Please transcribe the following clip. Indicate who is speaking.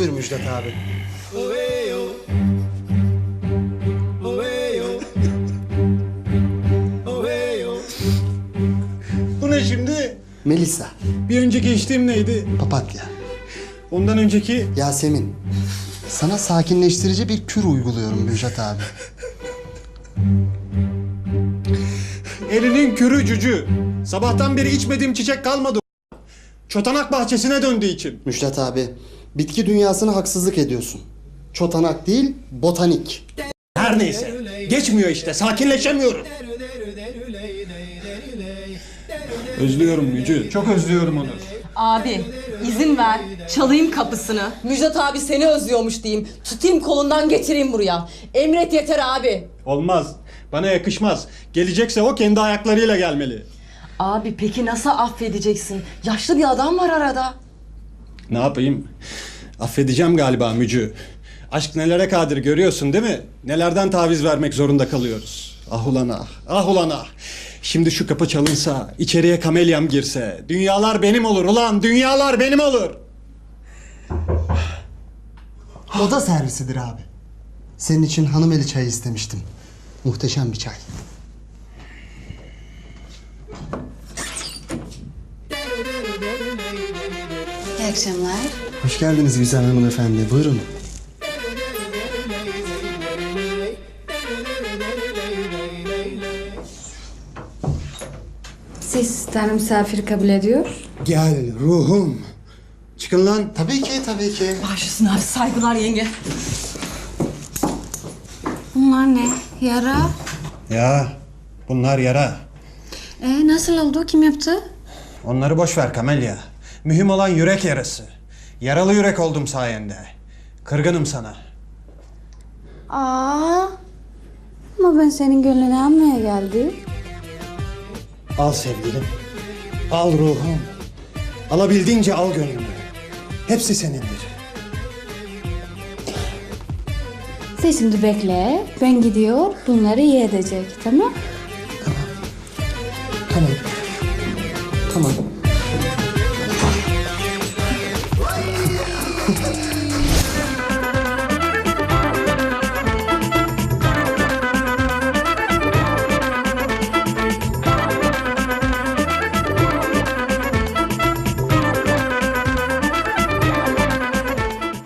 Speaker 1: Buyur Müjdat abi.
Speaker 2: Bu ne şimdi?
Speaker 1: Melisa,
Speaker 2: Bir önceki içtiğim neydi?
Speaker 1: papatya,
Speaker 2: Ondan önceki...
Speaker 1: Yasemin. Sana sakinleştirici bir kür uyguluyorum Müjdat abi.
Speaker 2: Elinin kürü cücü. Sabahtan beri içmediğim çiçek kalmadı. Çotanak bahçesine döndüğü için.
Speaker 1: Müjdat abi, bitki dünyasına haksızlık ediyorsun. Çotanak değil, botanik.
Speaker 2: Her neyse. Geçmiyor işte. Sakinleşemiyorum. Özlüyorum Yücü. Çok özlüyorum onu.
Speaker 3: Abi izin ver çalayım kapısını. Müjdat abi seni özlüyormuş diyeyim. Tutayım kolundan getireyim buraya. Emret yeter abi.
Speaker 2: Olmaz. Bana yakışmaz. Gelecekse o kendi ayaklarıyla gelmeli.
Speaker 3: Abi peki nasıl affedeceksin? Yaşlı bir adam var arada.
Speaker 2: Ne yapayım? Affedeceğim galiba Mücü. Aşk nelere kadir görüyorsun değil mi? Nelerden taviz vermek zorunda kalıyoruz. Ah ulan ah. Ah ulan ah. Şimdi şu kapı çalınsa, içeriye kamelyam girse, dünyalar benim olur ulan, dünyalar benim olur.
Speaker 1: Oda servisidir abi. Senin için hanımeli çayı istemiştim. Muhteşem bir çay.
Speaker 4: İyi akşamlar.
Speaker 1: Hoş geldiniz güzel hanımefendi. Buyurun.
Speaker 4: Siz Tanrı misafir kabul ediyor.
Speaker 2: Gel ruhum. Çıkın lan.
Speaker 1: Tabii ki, tabii ki.
Speaker 3: Başlısın abi saygılar yenge.
Speaker 4: Bunlar ne? Yara.
Speaker 2: Ya bunlar yara.
Speaker 4: Nasıl oldu? Kim yaptı?
Speaker 2: Onları boş ver Kamelya. Mühim olan yürek yarası. Yaralı yürek oldum sayende. Kırgınım sana.
Speaker 4: Aa, ama ben senin gönlünü almaya geldim.
Speaker 2: Al sevgilim. Al ruhum. Alabildiğince al gönlümü. Hepsi senindir.
Speaker 4: Sen şimdi bekle. Ben gidiyor. Bunları iyi edecek. Tamam?
Speaker 1: Tamam. Tamam.